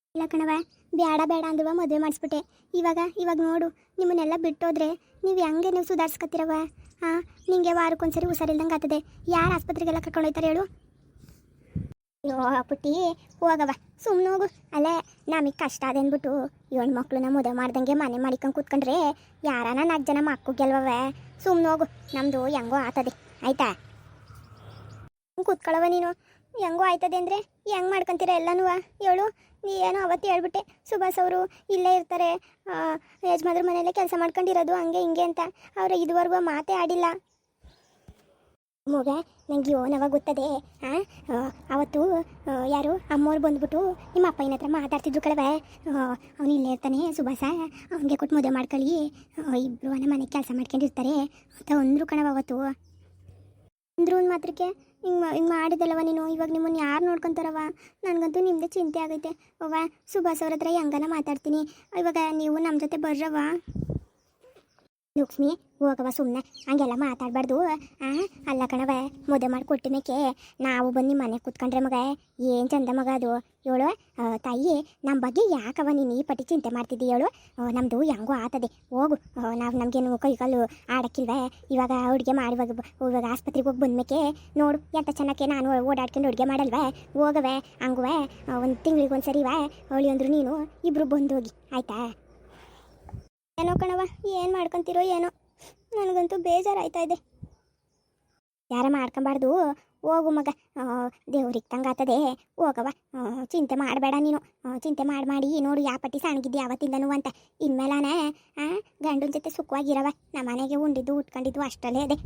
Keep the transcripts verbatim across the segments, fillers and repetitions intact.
ಇಲ್ಲ ಕಣವ, ಬೇಡ ಬೇಡ ಅಂದ್ರವ ಮದುವೆ ಮಾಡಿಸ್ಬಿಟ್ಟೆ. ಇವಾಗ ಇವಾಗ ನೋಡು, ನಿಮ್ಮನ್ನೆಲ್ಲ ಬಿಟ್ಟೋದ್ರೆ ನೀವು ಹೆಂಗೆ ನೀವು ಸುಧಾರಿಸ್ಕೊತಿರವ? ಹಾಂ, ನಿಂಗೆ ವಾರಕ್ಕೊಂದ್ಸರಿ ಹುಷಾರಿಲ್ದಂಗೆ ಆಗ್ತದೆ. ಯಾರು ಆಸ್ಪತ್ರೆಗೆಲ್ಲ ಕರ್ಕೊಂಡು ಹೋಯ್ತಾರೆ ಹೇಳು? ಅಯ್ಯೋ ಪುಟ್ಟಿ, ಹೋಗವ, ಸುಮ್ಮನೆ ಹೋಗು. ಅಲ್ಲೇ ನಮಗೆ ಕಷ್ಟ ಅದೇನ್ಬಿಟ್ಟು ಏಳು ಮಕ್ಳನ್ನ ಮದುವೆ ಮಾಡ್ದಂಗೆ ಮನೆ ಮಾಡಿಕೊಂಡು ಕೂತ್ಕೊಂಡ್ರೆ ಯಾರಾನ ನಾಲ್ಕು ಜನ ಮಕ್ಕಳು ಗೆಲ್ವವೆ. ಸುಮ್ಮನೆ ಹೋಗು, ನಮ್ಮದು ಹೆಂಗೋ ಆಗ್ತದೆ ಆಯ್ತಾ? ಕೂತ್ಕೊಳ್ಳವ ನೀನು. ಹೆಂಗೋ ಆಯ್ತದೆ ಅಂದರೆ ಹೆಂಗೆ ಮಾಡ್ಕೊತೀರ ಎಲ್ಲನೂ ಹೇಳು? ನೀ ಏನೋ ಅವತ್ತು ಹೇಳ್ಬಿಟ್ಟೆ, ಸುಭಾಸ್ ಅವರು ಇಲ್ಲೇ ಇರ್ತಾರೆ, ಯಜಮಾನ್ರ ಮನೆಯಲ್ಲೇ ಕೆಲಸ ಮಾಡ್ಕೊಂಡಿರೋದು ಹಂಗೆ ಹಿಂಗೆ ಅಂತ. ಅವರು ಇದುವರೆಗೂ ಮಾತೇ ಆಡಿಲ್ಲ. ಮಗ ನಂಗೆ ಯೋನವ ಗೊತ್ತದೆ. ಹಾಂ, ಅವತ್ತು ಯಾರು ಅಮ್ಮವ್ರು ಬಂದ್ಬಿಟ್ಟು ನಿಮ್ಮ ಅಪ್ಪನ ಹತ್ರ ಮಾತಾಡ್ತಿದ್ರು ಕಳವೆ. ಅವ್ನು ಇಲ್ಲೇ ಇರ್ತಾನೆ ಸುಭಾಸ, ಅವನಿಗೆ ಕೊಟ್ಟು ಮದುವೆ ಮಾಡ್ಕೊಳ್ಳಿ, ಇಬ್ಬರು ನಮ್ಮ ಮನೆಗೆ ಕೆಲಸ ಮಾಡ್ಕೊಂಡಿರ್ತಾರೆ ಅಂತ ಅಂದರು ಕಣವ ಅವತ್ತು. ಅಂದ್ರು ಒಂದು ಮಾತ್ರಕ್ಕೆ ಹಿಂಗೆ ಹಿಂಗೆ ಮಾಡಿದಲ್ಲವ ನೀನು. ಇವಾಗ ನಿಮ್ಮನ್ನು ಯಾರು ನೋಡ್ಕೊತಾರವ? ನನಗಂತೂ ನಿಮ್ಮದೇ ಚಿಂತೆ ಆಗೈತೆ ಅವ್ವ. ಸುಭಾಸ್ ಅವ್ರ ಹತ್ರ ಹೆಂಗನ ಮಾತಾಡ್ತೀನಿ. ಇವಾಗ ನೀವು ನಮ್ಮ ಜೊತೆ ಬರ್ರವ. ಲಕ್ಷ್ಮಿ, ಹೋಗವ ಸುಮ್ಮನೆ, ಹಂಗೆಲ್ಲ ಮಾತಾಡಬಾರ್ದು. ಹಾಂ, ಅಲ್ಲ ಕಣವ, ಮದುವೆ ಮಾಡಿ ಕೊಟ್ಟಿಮೇಕೆ ನಾವು ಬಂದು ಮನೆಗೆ ಕೂತ್ಕೊಂಡ್ರೆ ಮಗ ಏನು ಚಂದ ಮಗ ಅದು. ಹೇಳು ತಾಯಿ, ನಮ್ಮ ಬಗ್ಗೆ ಯಾಕವ ನೀನು ಈ ಪಟ್ಟಿ ಚಿಂತೆ ಮಾಡ್ತಿದ್ದಿ ಹೇಳು? ನಮ್ಮದು ಹೆಂಗೋ ಆಗ್ತದೆ, ಹೋಗು. ನಾವು ನಮಗೇನು ಕೈ ಕಾಲು ಆಡೋಕ್ಕಿಲ್ವೇ? ಇವಾಗ ಅಡುಗೆ ಮಾಡುವಾಗ ಇವಾಗ ಆಸ್ಪತ್ರೆಗೆ ಹೋಗಿ ಬಂದ್ಮೇಕೆ ನೋಡು ಎಂತ ಚೆನ್ನಾಗೆ ನಾನು ಓಡಾಡ್ಕೊಂಡು ಅಡುಗೆ ಮಾಡಲ್ವೇ? ಹೋಗವೆ ಹಂಗುವೆ, ಒಂದು ತಿಂಗಳಿಗೆ ಒಂದು ಸರಿವೆ ಅವಳಿ ಅಂದರು ನೀನು ಇಬ್ಬರು ಬಂದು ಹೋಗಿ ಆಯಿತಾ? ಏನೋ ಕಣವ, ಏನು ಮಾಡ್ಕೊತಿರೋ ಏನೋ, ನನಗಂತೂ ಬೇಜಾರಾಯ್ತಾ ಇದೆ. ಯಾರ ಮಾಡ್ಕೊಬಾರ್ದು, ಹೋಗು ಮಗ, ದೇವ್ರಿಗೆ ತಂಗಾತದೆ, ಹೋಗವ. ಚಿಂತೆ ಮಾಡಬೇಡ ನೀನು. ಚಿಂತೆ ಮಾಡಿ ಮಾಡಿ ನೋಡು ಯಾವ ಪಟ್ಟಿ ಸಣ್ಣಗಿದ್ದೆ ಯಾವತ್ತಿಂದನೂ ಅಂತ. ಇನ್ಮೇಲಾನೆ ಗಂಡನ ಜೊತೆ ಸುಖವಾಗಿರವ. ನಮ್ಮ ಮನೆಗೆ ಉಂಡಿದ್ದು ಉಟ್ಕೊಂಡಿದ್ದು ಅಷ್ಟಲ್ಲೇ ಅದೇ.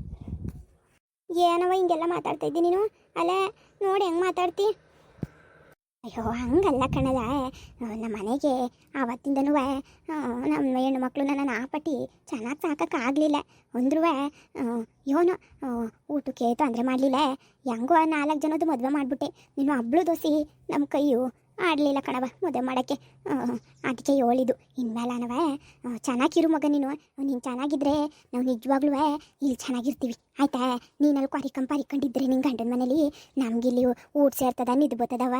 ಏನವ ಹಿಂಗೆಲ್ಲ ಮಾತಾಡ್ತಾ ಇದ್ದೀನಿ ನೀನು? ಅಲ್ಲೇ ನೋಡಿ ಹೆಂಗೆ ಮಾತಾಡ್ತಿ? ಅಯ್ಯೋ ಹಂಗಲ್ಲ ಕಣದ, ನಮ್ಮ ಮನೆಗೆ ಆವತ್ತಿಂದನೂ ನಮ್ಮ ಹೆಣ್ಣು ಮಕ್ಕಳು ನನ್ನ ಆ ಪಟ್ಟಿ ಚೆನ್ನಾಗಿ ಸಾಕೋಕ್ಕಾಗಲಿಲ್ಲ ಅಂದ್ರೂ ಏನೋ ಊಟಕ್ಕೆ ತೊಂದರೆ ಮಾಡಲಿಲ್ಲ. ಹೆಂಗೋ ನಾಲ್ಕು ಜನದ್ದು ಮದುವೆ ಮಾಡಿಬಿಟ್ಟೆ. ನೀನು ಹಬ್ಳು ದೋಸೆ ನಮ್ಮ ಕೈಯು ಆಡಲಿಲ್ಲ ಕಣವ ಮದುವೆ ಮಾಡೋಕ್ಕೆ. ಅದಕ್ಕೆ ಹೇಳಿದ್ದು ಇನ್ಮೇಲನವ ಚೆನ್ನಾಗಿರು ಮಗ ನೀನು. ನೀನು ಚೆನ್ನಾಗಿದ್ರೆ ನಾವು ನಿಜವಾಗ್ಲೂ ಇಲ್ಲಿ ಚೆನ್ನಾಗಿರ್ತೀವಿ ಆಯಿತಾ? ನೀನಲ್ಲಿ ಕೊರಿಕಂಪ ಪರಿಕೊಂಡಿದ್ರೆ ನಿನ್ನ ಗಂಡನ ಮನೇಲಿ ನಮಗಿಲ್ಲಿ ಊಟ ಸೇರ್ತದ ನಿದ್ದು ಬರ್ತದವ.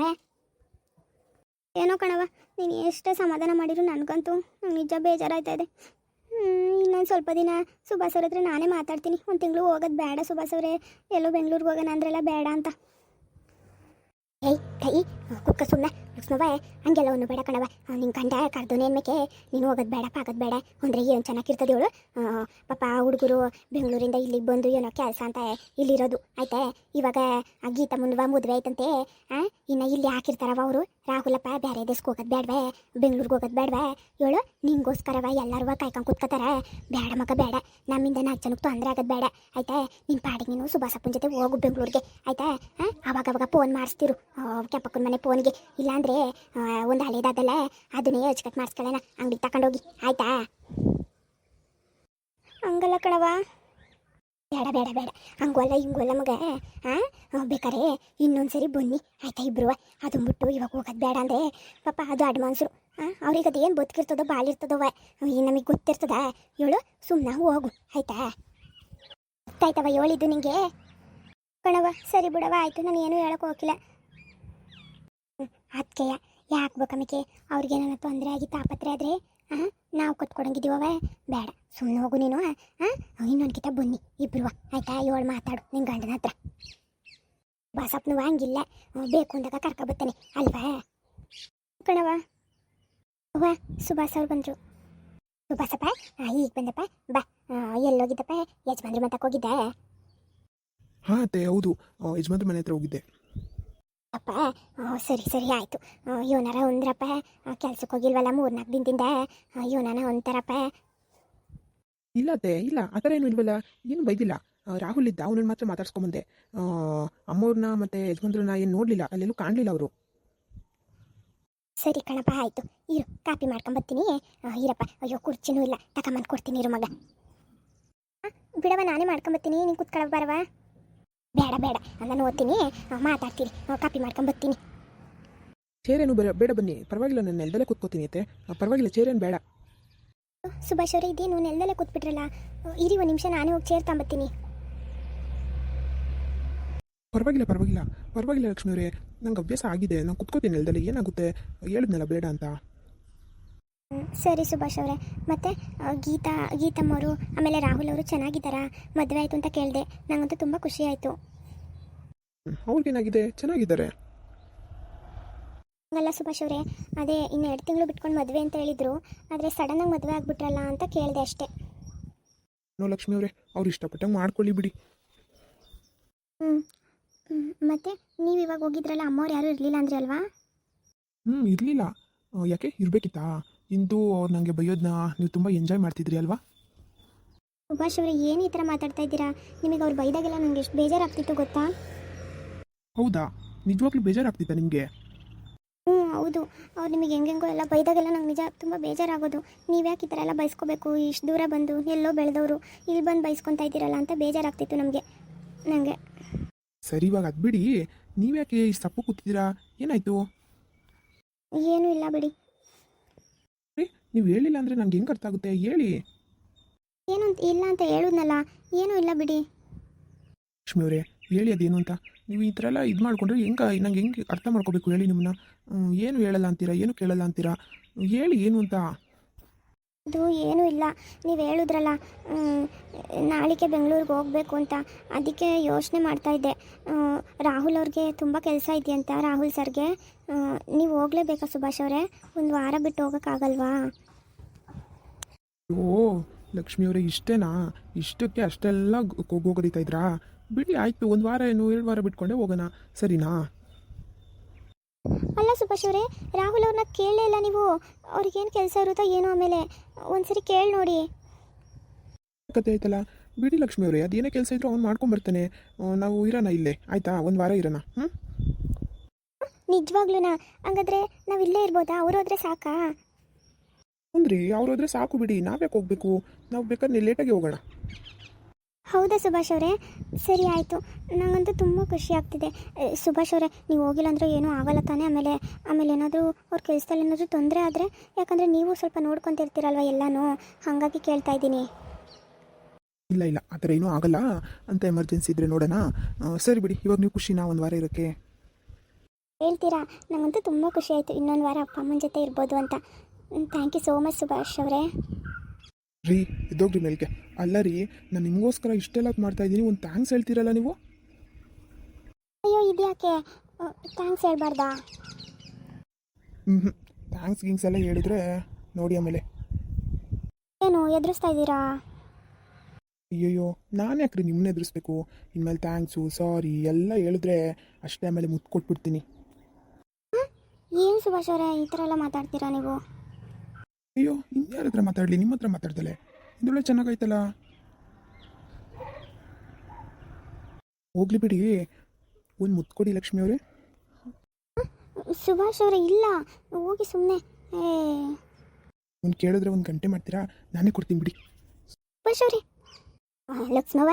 ಏನೋ ಕಣವ, ನೀನು ಎಷ್ಟೇ ಸಮಾಧಾನ ಮಾಡಿದ್ರು ನನಗಂತೂ ನಿಜ ಬೇಜಾರಾಯ್ತಾ ಇದೆ. ಇನ್ನೊಂದು ಸ್ವಲ್ಪ ದಿನ ಸುಭಾಸ್ ಅವ್ರ ಹತ್ರ ನಾನೇ ಮಾತಾಡ್ತೀನಿ. ಒಂದು ತಿಂಗಳು ಹೋಗೋದು ಬೇಡ ಸುಭಾಸ್ ಅವರೇ, ಎಲ್ಲೋ ಬೆಂಗಳೂರಿಗೆ ಹೋಗೋಣ ಅಂದ್ರೆಲ್ಲ ಬೇಡ ಅಂತ. ಏಯ್ ಕೈ ಕುಕ್ಕ ಸುಮ್ಮನೆ ಲಕ್ಷ್ಮವ್ವ, ಹಂಗೆಲ್ಲ ಒಂದು ಬೇಡ ಕಣವ. ನಿನ್ನ ಗಂಡ ಕರ್ದೋನೇನ್ಮೇಕೆ ನೀನು ಹೋಗೋದು ಬೇಡ ಪಾಕೋದು ಬೇಡ ಅಂದರೆ ಏನು ಚೆನ್ನಾಗಿರ್ತದೆ ಇವಳು. ಪಾಪ ಹುಡುಗರು ಬೆಂಗಳೂರಿಂದ ಇಲ್ಲಿಗೆ ಬಂದು ಏನೋ ಕೆಲಸ ಅಂತ ಇಲ್ಲಿರೋದು ಆಯ್ತಾ? ಇವಾಗ ಆ ಗೀತಾ ಮುಂದುವ ಮದುವೆ ಆಯ್ತಂತೆ. ಹಾಂ, ಇನ್ನು ಇಲ್ಲಿ ಹಾಕಿರ್ತಾರವ ಅವರು. ರಾಹುಲಪ್ಪ ಬೇರೆ ದೇಶಕ್ಕೆ ಹೋಗೋದು ಬೇಡವೇ, ಬೆಂಗಳೂರಿಗೆ ಹೋಗೋದು ಬೇಡವೇ ಹೇಳು? ನಿಂಗೋಸ್ಕರವ ಎಲ್ಲರೂ ಕಾಯ್ಕೊಂಡು ಕೂತ್ಕೋತಾರೆ. ಬೇಡ ಮಗ ಬೇಡ, ನಮ್ಮಿಂದ ನಾಲ್ಕು ಜನಕ್ಕೆ ತೊಂದರೆ ಆಗೋದು ಬೇಡ ಆಯ್ತಾ? ನಿನ್ನ ಪಾಡಿಗೆ ನೀನು ಸುಭಾಸಪ್ಪನ ಜೊತೆ ಹೋಗು ಬೆಂಗಳೂರಿಗೆ ಆಯ್ತಾ? ಹಾಂ, ಅವಾಗ ಅವಾಗ ಫೋನ್ ಮಾಡಿಸ್ತಿರು ಕೆಂಪಕ್ಕನ ಮನೆ ಫೋನ್ಗೆ. ಇಲ್ಲಾಂದರೆ ಒಂದು ಹಳೇದಾದಲ್ಲ ಅದನ್ನೇ ಹಚ್ಕಟ್ ಮಾಡಿಸ್ಕೊಳ್ಳೋಣ ಅಂಗಡಿಗೆ ತಗೊಂಡೋಗಿ ಆಯ್ತಾ? ಹಂಗಲ್ಲ ಕಣವ, ಬೇಡ ಬೇಡ ಬೇಡ, ಹಂಗೋಲ್ಲ ಹಿಂಗೋಲ್ಲ ಮಗ. ಹಾಂ, ಬೇಕಾರೆ ಇನ್ನೊಂದ್ಸರಿ ಬನ್ನಿ ಆಯ್ತಾ ಇಬ್ರು. ಅದನ್ನ ಬಿಟ್ಟು ಇವಾಗ ಹೋಗೋದು ಬೇಡ ಅಂದರೆ ಪಾಪ ಅದು ಅಡ್ವಾನ್ಸರು. ಹಾಂ, ಅವ್ರಿಗೆ ಅದು ಏನು ಬದುಕಿರ್ತದೋ ಬಾಳಿರ್ತದವ ನಮಗೆ ಗೊತ್ತಿರ್ತದ ಹೇಳು? ಸುಮ್ಮನೆ ಹೋಗು ಆಯ್ತಾ? ಗೊತ್ತಾಯ್ತವ ಹೇಳಿದ್ದು ನಿಂಗೆ ಕಣವ. ಸರಿ ಬಿಡವ, ಆಯಿತು, ನಾನು ಏನೂ ಹೇಳೋಕೆ ಹೋಗಿಲ್ಲ. ಅದಕ್ಕೆ ಯಾಕೆ ಬೇಕಮಿಕೆ ಅವ್ರಿಗೇನಾರ ತೊಂದರೆ ಆಗಿ ತಾಪತ್ರೆ ಆದರೆ ಹಾಂ ನಾವು ಕೊಟ್ಕೊಡಂಗಿದ್ದೀವವ. ಬೇಡ, ಸುಮ್ಮನೆ ಹೋಗು ನೀನು. ಹಾಂ, ಇನ್ನೊಂದ್ಕಿತ ಬನ್ನಿ ಇಬ್ರು ಆಯಿತಾ? ಏಳು ಮಾತಾಡು ನಿನ್ನ ಗಂಡನ ಹತ್ರ. ಬಾಸಪ್ಪನವ ಹಂಗಿಲ್ಲ, ಬೇಕು ಅಂದಾಗ ಕರ್ಕೊಬರ್ತಾನೆ ಅಲ್ವಾ ಕಣವ. ಅವ್ವ, ಸುಭಾಸ್ ಅವ್ರು ಬಂದರು. ಸುಭಾಸಪ್ಪ ಈಗ ಬಂದಪ್ಪ, ಬಾ. ಎಲ್ಲೋಗಿದ್ದಪ್ಪ? ಯಜಮಾನ್ರ ಮತಕ್ಕೆ ಹೋಗಿದ್ದೆ? ಹಾಂ ಅತ್ತೆ, ಹೌದು, ಯಜಮಾನ್ರ ಮನೆ ಹತ್ರ ಹೋಗಿದ್ದೆ. ಅಪ್ಪ ಸರಿ ಸರಿ ಆಯಿತು. ಇವನಾರ ಒಂದ್ರಪ್ಪ ಕೆಲ್ಸಕ್ಕೆ ಹೋಗಿಲ್ವಲ್ಲ ಮೂರ್ನಾಲ್ಕು ದಿನದಿಂದ, ಇವನಾನ ಒಂಥರಪ್ಪ. ಇಲ್ಲ ಅತ್ತೆ, ಇಲ್ಲ ಆ ಥರ ಏನು ಇಲ್ವಲ್ಲ, ಏನು ಬೈದಿಲ್ಲ. ರಾಹುಲ್ ಇದ್ದ, ಅವನನ್ನು ಮಾತ್ರ ಮಾತಾಡ್ಸ್ಕೊಂಬಂದೆ. ಅಮ್ಮವ್ರನ್ನ ಮತ್ತು ಯಜಮಾನ್ರನ್ನ ಏನು ನೋಡಲಿಲ್ಲ, ಅಲ್ಲೆಲ್ಲೂ ಕಾಣಲಿಲ್ಲ ಅವರು. ಸರಿ ಕಣಪ್ಪ, ಆಯಿತು ಇರು, ಕಾಪಿ ಮಾಡ್ಕೊಂಬರ್ತೀನಿ. ಇರಪ್ಪ. ಅಯ್ಯೋ ಕುರ್ಚಿನೂ ಇಲ್ಲ, ತಗೊಂಬಂದು ಕೊಡ್ತೀನಿ ಇರು ಮಗ. ಬಿಡವ, ನಾನೇ ಮಾಡ್ಕೊಂಬರ್ತೀನಿ, ನೀನು ಕೂತ್ಕೊಳ್ಳ ಬರವ. ಬೇಡ ಬೇಡ, ನಾನು ಓದ್ತೀನಿ, ಮಾತಾಡ್ತೀನಿ, ಕಾಪಿ ಮಾಡ್ಕೊಂಬರ್ತೀನಿ. ಚೇರೇನು ಬೇಡ ಬೇಡ ಬನ್ನಿ, ಪರವಾಗಿಲ್ಲ, ನಾನು ನೆಲದಲ್ಲೇ ಕೂತ್ಕೋತೀನಿ ಅತ್ತೆ, ಪರವಾಗಿಲ್ಲ, ಚೇರೇನು ಬೇಡ. ಸುಭಾಷ್ ಅವರೇ, ಇದೇನು ನೆಲದಲ್ಲೇ ಕೂತ್ಬಿಟ್ರಲ್ಲ, ಇರಿ ಒಂದು ನಿಮಿಷ, ನಾನೇ ಹೋಗಿ ಚೇರ್ ತಗೊಂಬರ್ತೀನಿ. ಪರವಾಗಿಲ್ಲ ಪರವಾಗಿಲ್ಲ ಪರವಾಗಿಲ್ಲ ಲಕ್ಷ್ಮೀ ಅವರೇ, ನಂಗೆ ಅಭ್ಯಾಸ ಆಗಿದೆ, ನಾನು ಕುತ್ಕೋತೀನಿ ನೆಲದಲ್ಲಿ, ಏನಾಗುತ್ತೆ ಹೇಳಿದ್ನಲ್ಲ ಬೇಡ ಅಂತ. ಹ್ಮ್, ಸರಿ ಸುಭಾಷ್ ಅವರೇ. ಮತ್ತು ಗೀತಾ ಗೀತಮ್ಮವರು ಆಮೇಲೆ ರಾಹುಲ್ ಅವರು ಚೆನ್ನಾಗಿದ್ದಾರಾ? ಮದುವೆ ಆಯಿತು ಅಂತ ಕೇಳಿದೆ, ನನಗಂತೂ ತುಂಬ ಖುಷಿ ಆಯಿತು. ಅವ್ರಿಗೇನಾಗಿದೆ, ಚೆನ್ನಾಗಿದ್ದಾರೆ. ಹಂಗಲ್ಲ ಸುಭಾಷ್ ಅವರೇ, ಅದೇ ಇನ್ನು ಎರಡು ತಿಂಗಳು ಬಿಟ್ಕೊಂಡು ಮದುವೆ ಅಂತ ಹೇಳಿದರು, ಆದರೆ ಸಡನ್ನಾಗಿ ಮದುವೆ ಆಗಿಬಿಟ್ರಲ್ಲ ಅಂತ ಕೇಳಿದೆ ಅಷ್ಟೇ. ನೋ ಲಕ್ಷ್ಮಿ ಅವರೇ, ಅವ್ರು ಇಷ್ಟಪಟ್ಟಂಗೆ ಮಾಡ್ಕೊಳ್ಳಿ ಬಿಡಿ. ಹ್ಞೂ ಮತ್ತು ನೀವು ಇವಾಗ ಹೋಗಿದ್ರಲ್ಲ, ಅಮ್ಮವ್ರು ಯಾರೂ ಇರಲಿಲ್ಲ ಅಂದ್ರಿ ಅಲ್ವಾ? ಹ್ಞೂ ಇರಲಿಲ್ಲ. ಯಾಕೆ ಇರಬೇಕಿತ್ತಾ? ಇಂದು ಅವ್ರು ನನಗೆ ಬೈಯೋದನ್ನ ನೀವು ತುಂಬ ಎಂಜಾಯ್ ಮಾಡ್ತಿದ್ರಿ ಅಲ್ವಾ? ಸುಭಾಷ್ ಅವರೇ, ಏನು ಈ ಥರ ಮಾತಾಡ್ತಾ ಇದ್ದೀರಾ? ನಿಮಗೆ ಅವ್ರು ಬೈದಾಗೆಲ್ಲ ನನಗೆ ಎಷ್ಟು ಬೇಜಾರಾಗ್ತಿತ್ತು ಗೊತ್ತಾ? ಹೌದಾ, ನಿಜವಾಗ್ಲೂ ಬೇಜಾರಾಗ್ತಿತ್ತಾ ನಿಮಗೆ? ಹ್ಞೂ ಹೌದು, ಅವ್ರು ನಿಮಗೆ ಹೆಂಗೆಂಗೋ ಎಲ್ಲ ಬೈದಾಗೆಲ್ಲ ನಂಗೆ ನಿಜ ತುಂಬ ಬೇಜಾರಾಗೋದು. ನೀವು ಯಾಕೆ ಈ ಥರ ಎಲ್ಲ ಬೈಸ್ಕೋಬೇಕು? ಇಷ್ಟು ದೂರ ಬಂದು ಎಲ್ಲೋ ಬೆಳೆದವರು ಇಲ್ಲಿ ಬಂದು ಬೈಸ್ಕೊತಾ ಇದ್ದೀರಲ್ಲ ಅಂತ ಬೇಜಾರಾಗ್ತಿತ್ತು ನಮಗೆ ನನಗೆ. ಸರಿ, ಇವಾಗ ಅದು ಬಿಡಿ, ನೀವ್ಯಾಕೆ ಇಷ್ಟು ಸಪ್ಪು ಕೂತಿದ್ದೀರಾ? ಏನಾಯಿತು? ಏನೂ ಇಲ್ಲ ಬಿಡಿ. ರೀ, ನೀವು ಹೇಳಿಲ್ಲ ಅಂದರೆ ನಂಗೆ ಹೆಂಗೆ ಅರ್ಥ ಆಗುತ್ತೆ? ಹೇಳಿ. ಏನು ಅಂತ ಇಲ್ಲ ಅಂತ ಹೇಳಿದ್ನಲ್ಲ, ಏನೂ ಇಲ್ಲ ಬಿಡಿ. ಲಕ್ಷ್ಮಿ ಅವರೇ, ಹೇಳಿ ಅದೇನು ಅಂತ. ನೀವು ಈ ಥರ ಎಲ್ಲ ಇದು ಮಾಡ್ಕೊಂಡ್ರೆ ಹೆಂಗೆ ನಂಗೆ ಹೆಂಗೆ ಅರ್ಥ ಮಾಡ್ಕೋಬೇಕು ಹೇಳಿ ನಿಮ್ಮನ್ನ? ಏನು ಹೇಳಲ್ಲ ಅಂತೀರಾ, ಏನು ಕೇಳಲ್ಲ ಅಂತೀರಾ? ಹೇಳಿ ಏನು ಅಂತ. ಅದು ಏನೂ ಇಲ್ಲ, ನೀವು ಹೇಳಿದ್ರಲ್ಲ ನಾಳೆಗೆ ಬೆಂಗಳೂರಿಗೆ ಹೋಗಬೇಕು ಅಂತ, ಅದಕ್ಕೆ ಯೋಚನೆ ಮಾಡ್ತಾಯಿದ್ದೆ. ರಾಹುಲ್ ಅವ್ರಿಗೆ ತುಂಬ ಕೆಲಸ ಇದೆಯಂತ, ರಾಹುಲ್ ಸರ್ಗೆ. ನೀವು ಹೋಗಲೇಬೇಕಾ ಸುಭಾಷ್ ಅವರೇ? ಒಂದು ವಾರ ಬಿಟ್ಟು ಹೋಗೋಕ್ಕಾಗಲ್ವಾ? ಓ ಲಕ್ಷ್ಮಿ ಅವರೇ, ಇಷ್ಟೇನಾ? ಇಷ್ಟಕ್ಕೆ ಅಷ್ಟೆಲ್ಲ ಹೋಗೋದಿತಾ ಇದ್ರಾ? ಬಿಡಿ ಆಯಿತು, ಒಂದು ವಾರ ಏನು ಎರಡು ವಾರ ಬಿಟ್ಕೊಂಡೆ ಹೋಗೋಣ, ಸರಿನಾ? ಅಲ್ಲ ಸುಭಾಷ್ ಅವರೇ, ರಾಹುಲ್ ಅವ್ರನ್ನ ಕೇಳಲೇ ಇಲ್ಲ ನೀವು. ಅವ್ರಿಗೇನು ಕೆಲಸ ಇರುತ್ತೋ ಏನೋ, ಆಮೇಲೆ ಒಂದ್ಸರಿ ಕೇಳಿ ನೋಡಿ. ಕತೆ ಆಯ್ತಲ್ಲ, ಬಿಡಿ ಲಕ್ಷ್ಮಿ ಅವರೇ, ಅದೇನೇ ಕೆಲಸ ಇದ್ರು ಅವ್ನು ಮಾಡ್ಕೊಂಬರ್ತಾನೆ. ನಾವು ಇರೋಣ ಇಲ್ಲೇ, ಆಯಿತಾ? ಒಂದು ವಾರ ಇರೋಣ. ಹ್ಞೂ ನಿಜವಾಗ್ಲೂನಾ? ಹಂಗಾದ್ರೆ ನಾವು ಇಲ್ಲೇ ಇರ್ಬೋದಾ? ಅವ್ರು ಹೋದ್ರೆ ಸಾಕಾ? ಅಂದ್ರಿ ಅವ್ರು ಹೋದ್ರೆ ಸಾಕು ಬಿಡಿ, ನಾವ್ಯಾಕೆ ಹೋಗ್ಬೇಕು? ನಾವು ಬೇಕಾದ್ರೆ ಲೇಟಾಗಿ ಹೋಗೋಣ. ಹೌದಾ ಸುಭಾಷ್ ಅವರೇ? ಸರಿ ಆಯಿತು, ನನಗಂತೂ ತುಂಬ ಖುಷಿ ಆಗ್ತಿದೆ. ಸುಭಾಷ್ ಅವರೇ, ನೀವು ಹೋಗಿಲ್ಲ ಅಂದರೆ ಏನೂ ಆಗಲ್ಲ ತಾನೇ? ಆಮೇಲೆ ಆಮೇಲೆ ಏನಾದರೂ ಅವ್ರ ಕೆಲಸದಲ್ಲಿ ಏನಾದರೂ ತೊಂದರೆ ಆದರೆ, ಯಾಕಂದರೆ ನೀವು ಸ್ವಲ್ಪ ನೋಡ್ಕೊತಿರ್ತೀರಲ್ವ ಎಲ್ಲನೂ, ಹಾಗಾಗಿ ಕೇಳ್ತಾ ಇದ್ದೀನಿ. ಇಲ್ಲ ಇಲ್ಲ, ಆ ಥರ ಏನೂ ಆಗಲ್ಲ ಅಂತ. ಎಮರ್ಜೆನ್ಸಿ ಇದ್ದರೆ ನೋಡೋಣ. ಸರಿ ಬಿಡಿ, ಇವಾಗ ನೀವು ಖುಷಿನಾ ಒಂದು ವಾರ ಇರೋಕ್ಕೆ? ಹೇಳ್ತೀರಾ? ನನಗಂತೂ ತುಂಬ ಖುಷಿ ಆಯಿತು, ಇನ್ನೊಂದು ವಾರ ಅಪ್ಪ ಅಮ್ಮನ ಜೊತೆ ಇರ್ಬೋದು ಅಂತ. Thank you so much Subhash ಅವರೇ. ರೀ, ಇದ್ದೋಗ್ರಿ ಮೇಲ್ಗೆ. ಅಲ್ಲ ರೀ, ನಾನು ನಿಮಗೋಸ್ಕರ ಇಷ್ಟೆಲ್ಲ ಮಾಡ್ತಾ ಇದ್ದೀನಿ, ಒಂದು ಥ್ಯಾಂಕ್ಸ್ ಹೇಳ್ತೀರಲ್ಲ ನೀವು? ಅಯ್ಯೋ, ಇದ್ಯಾಕೆ ಥ್ಯಾಂಕ್ಸ್ ಹೇಳ್ಬಾರ್ದಾ? ಹ್ಞೂ ಹ್ಞೂ ಥ್ಯಾಂಕ್ಸ್ ಗಿಂಗ್ಸ್ ಎಲ್ಲ ಹೇಳಿದ್ರೆ ನೋಡಿ ಆಮೇಲೆ. ಏನು ಎದುರಿಸ್ತಾ ಇದ್ದೀರಾ? ಅಯ್ಯಯ್ಯೋ, ನಾನು ಯಾಕ್ರಿ ನಿಮ್ಮನ್ನ ಎದುರಿಸ್ಬೇಕು? ಇನ್ಮೇಲೆ ಥ್ಯಾಂಕ್ಸು ಸಾರಿ ಎಲ್ಲ ಹೇಳಿದ್ರೆ ಅಷ್ಟೇ, ಆಮೇಲೆ ಮುತ್ತು ಕೊಟ್ಬಿಡ್ತೀನಿ. ಏನು ಸುಭಾಷ್ ಅವರೇ, ಈ ಥರ ಎಲ್ಲ ಮಾತಾಡ್ತೀರಾ ನೀವು? ಅಯ್ಯೋ, ಇನ್ಯಾರ ಹತ್ರ ಮಾತಾಡಲಿ, ನಿಮ್ಮ ಹತ್ರ ಮಾತಾಡ್ದಲೆ. ಇದೊಳ್ಳೆ ಚೆನ್ನಾಗಾಯ್ತಲ್ಲ. ಹೋಗ್ಲಿ ಬಿಡಿ, ಒಂದು ಮುತ್ತು ಕೊಡಿ ಲಕ್ಷ್ಮಿ ಅವರೇ. ಸುಭಾಷ್ ಅವರೇ, ಇಲ್ಲ ಹೋಗಿ ಸುಮ್ಮನೆ. ಏ ಒಂದು ಕೇಳಿದ್ರೆ ಒಂದು ಗಂಟೆ ಮಾಡ್ತೀರಾ? ನಾನೇ ಕೊಡ್ತೀನಿ ಬಿಡಿ. ಸುಭಾಷ್ ಅವರೇ, ಲಕ್ಷ್ಮವ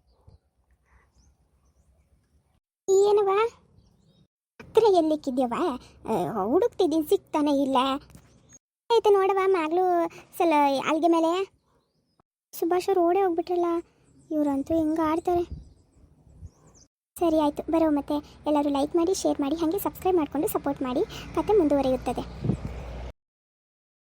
ಏನವ ಹತ್ತಿರ ಎಲ್ಲಿಕ್ಕಿದ್ಯವ? ಹುಡುಕ್ತಿದ್ದೀನಿ, ಸಿಗ್ತಾನೆ ಇಲ್ಲ. ಆಯ್ತು ನೋಡವ, ಮ್ಯಾಗ್ಲೂ ಸಲ ಅಲ್ಗೆ ಮೇಲೆ. ಸುಭಾಷ್ ಅವ್ರು ಓಡೇ ಹೋಗ್ಬಿಟ್ರಲ್ಲ, ಇವರಂತೂ ಹೆಂಗೆ ಆಡ್ತಾರೆ. ಸರಿ ಆಯಿತು, ಬರೋ ಮತ್ತೆ ಎಲ್ಲರೂ ಲೈಕ್ ಮಾಡಿ, ಶೇರ್ ಮಾಡಿ, ಹಾಗೆ ಸಬ್ಸ್ಕ್ರೈಬ್ ಮಾಡಿಕೊಂಡು ಸಪೋರ್ಟ್ ಮಾಡಿ. ಕತೆ ಮುಂದುವರಿಯುತ್ತದೆ.